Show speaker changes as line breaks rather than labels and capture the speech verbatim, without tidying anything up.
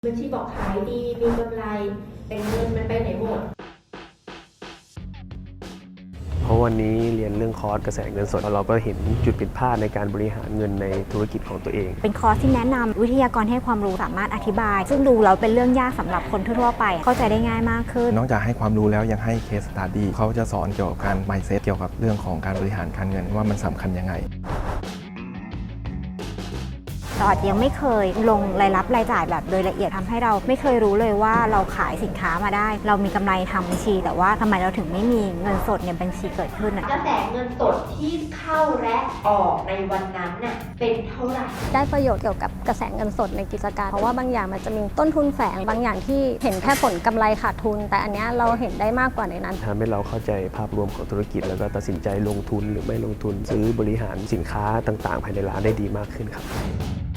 บัญชีบอกขายดีมีกำไรแต่เงินมันไปไหนหมด
เพราะวันนี้เรียนเรื่องคอร์สกระแสเงินสดเราก็เห็นจุดผิดพลาดในการบริหารเงินในธุรกิจของตัวเอง
เป็นคอร์สที่แนะนำวิทยากรให้ความรู้สามารถอธิบายซึ่งดูแล้วเป็นเรื่องยากสำหรับคนทั่วๆไปเข้าใจได้ง่ายมากขึ้น
นอกจากให้ความรู้แล้วยังให้เคสสตัดดี้เขาจะสอนเกี่ยวกับการ mindset เกี่ยวกับเรื่องของการบริหารการเงินว่ามันสำคัญยังไง
ตอดยังไม่เคยลงรายรับรายจ่ายแบบโดยละเอียดทำให้เราไม่เคยรู้เลยว่าเราขายสินค้ามาได้เรามีกำไรทางบัญชีแต่ว่าทำไมเราถึงไม่มีเงินสดในบัญชีเกิดขึ้น
กระแสเงินสดที่เข้าและออกในวันนั้นน่ะเป็นเท่าไหร่
ได้ประโยชน์เกี่ยวกับกระแสเงินสดในกิจการเพราะว่าบางอย่างมันจะมีต้นทุนแฝงบางอย่างที่เห็นแค่ผลกำไรขาดทุนแต่อันนี้เราเห็นได้มากกว่าในนั้น
ทำให้เราเข้าใจภาพรวมของธุรกิจแล้วก็ตัดสินใจลงทุนหรือไม่ลงทุนซื้อบริหารสินค้าต่างๆภายในร้านได้ดีมากขึ้นครับ